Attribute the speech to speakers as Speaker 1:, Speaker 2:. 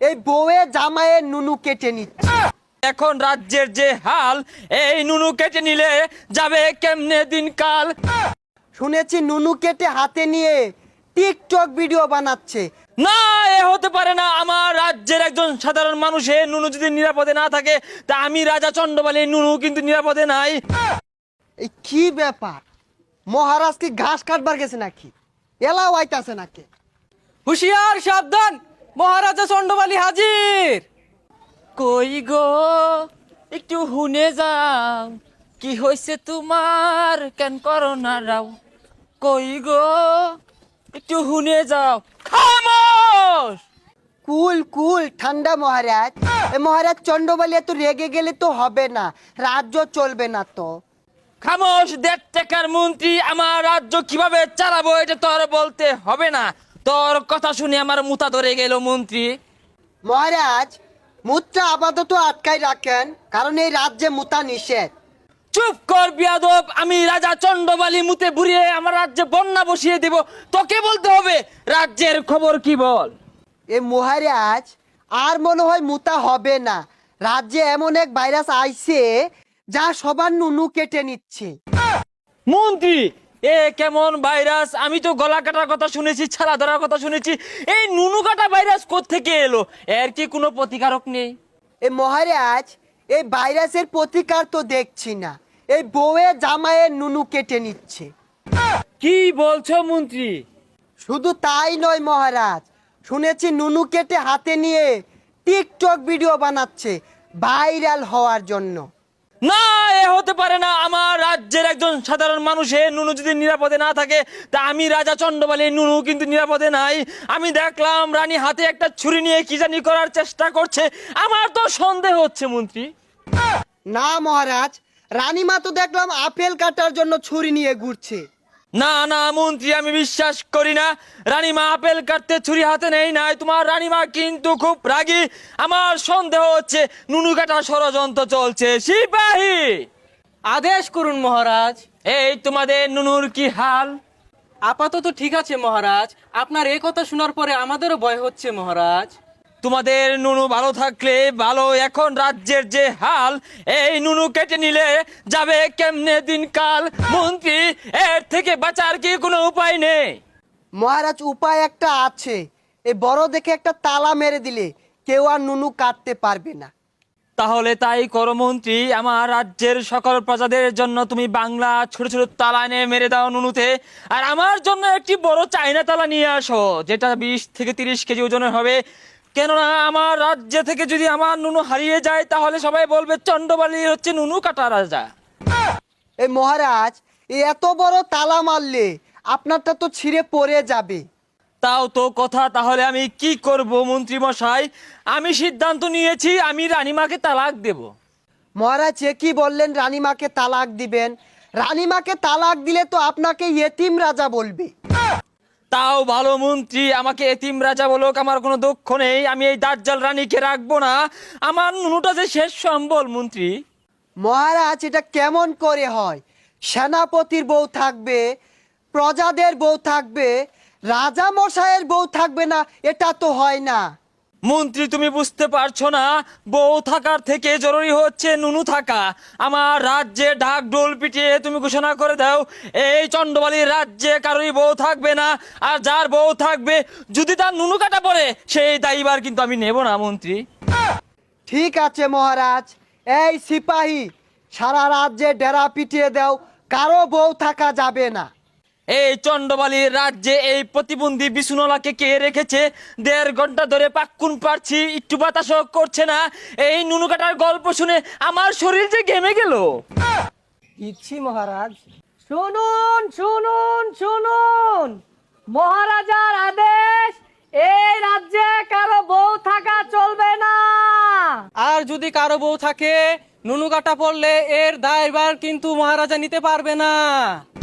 Speaker 1: এই বউয়ে জামাইয়ে নুনু কেটে নিচ্ছে।
Speaker 2: এখন রাজ্যের যে হাল, এই নুনু কেটে নিলে যাবে কেমনে দিনকাল।
Speaker 1: শুনেছি নুনু কেটে হাতে নিয়ে টিকটক ভিডিও বানাচ্ছে।
Speaker 2: না, এ হতে পারে না। আমার রাজ্যের একজন সাধারণ মানুষের নুনু যদি নিরাপদে না থাকে, তা আমি রাজা চন্ডবালী নুনু কিন্তু নিরাপদে নাই।
Speaker 1: এই কি ব্যাপার, মহারাজ কি ঘাস কাটবার গেছে নাকি? এলাও আইতাছে নাকি?
Speaker 3: হুশিয়ার, সাবধান, মহারাজা চন্ডবালী হাজির।
Speaker 2: কই গো, একটু হুনে যাও, কি হয়েছে তোমার, কেন করো না রাও। কই গো, একটু হুনে যাও। খামোশ!
Speaker 1: কুল কুল ঠান্ডা মহারাজ। এ মহারাজ চন্ডবালী এত রেগে গেলে তো হবে না, রাজ্য চলবে না তো।
Speaker 2: খামোশ! 1.5 টাকার মন্ত্রী, আমার রাজ্য কিভাবে চালাবো এটা তোর বলতে হবে না। তোর কথা শুনে আমার মুতা ধরে গেল মন্ত্রী।
Speaker 1: মহারাজ, মুদ্রা আপাতত আটকাই রাখেন, কারণ এই রাজ্যে মুতা নিষেধ।
Speaker 2: চুপ কর বিয়াদব! আমি রাজা চন্ডবালী মুতে বুড়িয়ে আমার রাজ্যে বন্যা বসিয়ে দেব। তোকে বলতে হবে রাজ্যের খবর কি বল।
Speaker 1: এ মহারাজ, আর মনে হয় মুতা হবে না। রাজ্যে এমন এক ভাইরাস আইছে যা সবার নুনু কেটে নিচ্ছে।
Speaker 2: মন্ত্রী, এ কেমন ভাইরাস? আমি তো গলা কাটার কথা শুনেছি, ছালা ধরার কথা শুনেছি। এই নুনু কাটা ভাইরাস কোত্থেকে এলো? এর কি কোনো প্রতিকারক নেই?
Speaker 1: এ মহারাজ, এই ভাইরাসের প্রতিকার তো দেখছি না। এই বউয়ে জামাইয়ে নুনু কেটে নিচ্ছে।
Speaker 2: কি বলছো মন্ত্রী?
Speaker 1: শুধু তাই নয় মহারাজ, শুনেছি নুনু কেটে হাতে নিয়ে টিকটক ভিডিও বানাচ্ছে ভাইরাল হওয়ার জন্য।
Speaker 2: না, এ হতে পারে না। আমার রাজ্যের একজন সাধারণ মানুষের নুনু যদি নিরাপদে না থাকে, তা আমি রাজা চন্ডবালী নুনু কিন্তু নিরাপদে নাই। আমি দেখলাম রানী হাতে একটা ছুরি নিয়ে কি জানি করার চেষ্টা করছে। আমার তো সন্দেহ হচ্ছে মন্ত্রী।
Speaker 1: না মহারাজ, রানীমা তো দেখলাম আপেল কাটার জন্য ছুরি নিয়ে ঘুরছে।
Speaker 2: না না মন্ত্রী, আমি বিশ্বাস করি না। রানীমা আপেল কাটতে ছুরি হাতে নেই নাই। তোমার রানীমা কিন্তু খুব রাগী। আমার সন্দেহ হচ্ছে নুনু কাটা ষড়যন্ত্র চলছে। সিপাহী,
Speaker 3: আদেশ করুন মহারাজ।
Speaker 2: এই তোমাদের নুনুর কি হাল?
Speaker 3: আপাতত ঠিক আছে মহারাজ। আপনার এ কথা শোনার পরে আমাদেরও ভয় হচ্ছে মহারাজ।
Speaker 2: তোমাদের নুনু ভালো থাকলে ভালো। এখন রাজ্যের যে হাল, এই নুনু কেটে নিলে যাবে কেমনে দিনকাল। মন্ত্রী, এর থেকে বাঁচার কি কোনো উপায় নেই?
Speaker 1: মহারাজ, উপায় একটা আছে। এই বড় দেখে একটা তালা মেরে দিলে কেউ আর নুনু কাটতে পারবে না।
Speaker 2: তাহলে তাই করো মন্ত্রী। আমার রাজ্যের সকল প্রজাদের জন্য তুমি বাংলা ছোট ছোট তালা এনে মেরে দাও নুনুতে। আর আমার জন্য একটি বড় চাইনা তালা নিয়ে আসো, যেটা 20 থেকে 30 কেজি ওজনের হবে। কেননা আমার রাজ্য থেকে যদি আমার নুনু হারিয়ে যায়, তাহলে সবাই বলবে চন্ডবালী হচ্ছে নুনু কাটা রাজা।
Speaker 1: এই মহারাজ, এই এত বড় তালা মারলে আপনারটা তো ছিঁড়ে পড়ে যাবে।
Speaker 2: তাও তো কথা। তাহলে আমি কি করব মন্ত্রী মশাই? আমি সিদ্ধান্ত নিয়েছি, আমি রানীমাকে তালাক দেব।
Speaker 1: মহারাজ, এ কি বললেন রানীমাকে তালাক দিবেন? রানীমাকে তালাক দিলে তো আপনাকে ইয়েতিম রাজা বলবে।
Speaker 2: তাও ভালো মন্ত্রী, আমাকে এতিম রাজা বলুক, আমার কোনো দুঃখ নেই। আমি এই দাজ্জাল রানীকে রাখবো না। আমার নুনুটা যে শেষ সম্বল মন্ত্রী।
Speaker 1: মহারাজ, এটা কেমন করে হয়? সেনাপতির বউ থাকবে, প্রজাদের বউ থাকবে, রাজা মশাইয়ের বউ থাকবে না? এটা তো হয় না।
Speaker 2: মন্ত্রী, তুমি বুঝতে পারছো না? বউ থাকার থেকে জরুরি হচ্ছে নুনু থাকা। আমার রাজ্যে ঢাক ঢোল পিটিয়ে তুমি ঘোষণা করে দাও, এই চন্ডবালীর রাজ্যে কারোরই বউ থাকবে না। আর যার বউ থাকবে, যদি তার নুনু কাটা পড়ে, সেই দায়ীবার কিন্তু আমি নেব না মন্ত্রী।
Speaker 1: ঠিক আছে মহারাজ। এই সিপাহী, সারা রাজ্যে ডেরা পিটিয়ে দাও, কারো বউ থাকা যাবে না।
Speaker 2: এই চন্ডবালীর রাজ্যে এই প্রতিবন্ধী বিছুনলাকে কে রেখেছে? 1.5 ঘন্টা ধরে পাক্কুন পারছি, একটু বাতাসও করছে না। এই নুনু কাটার গল্প শুনে আমার শরীর যে ঘেমে গেল।
Speaker 1: ইচ্ছি মহারাজ।
Speaker 3: শুনুন শুনুন শুনুন, মহারাজার আদেশ, এই রাজ্যে কারো বউ থাকা চলবে না। আর যদি কারো বউ থাকে, নুনু কাটা পড়লে এর দায়ভার কিন্তু মহারাজা নিতে পারবে না।